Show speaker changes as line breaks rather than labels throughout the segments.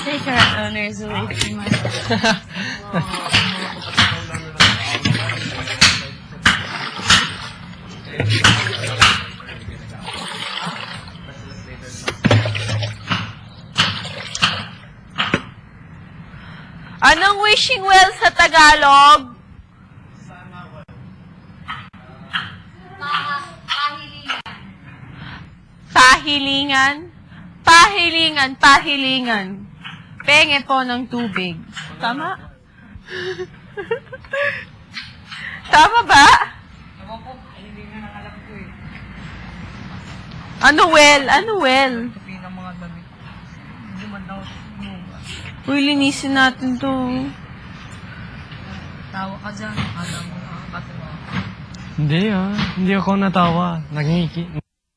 Take our honors away from us.
Anong wishing well sa Tagalog? Pahilingan. Pahilingan, pahilingan. Penge po ng tubig. Tama? Tama ba? Ano well? Ano well? Uy, linisin natin to.
Tawa ka dyan. Alam mo nakakatawa.
Hindi hindi ako natawa. Nangiki.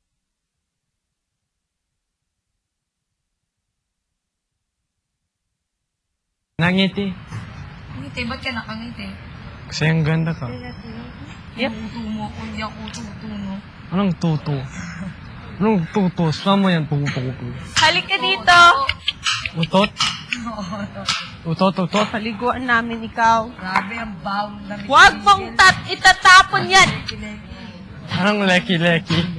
Nangiti.
Ngiti, ba't ka nakangiti?
Kasi ang ganda ka.
Yep.
Tuto mo, kundi ako tuto mo.
Anong tuto? Anong tuto? Saan mo yan? Tuto.
Halika dito.
Utot? Utot.
Paliguan namin ikaw.
Grabe, ang bawang damit.
Huwag mong itatapon yan.
Anong leki-leki?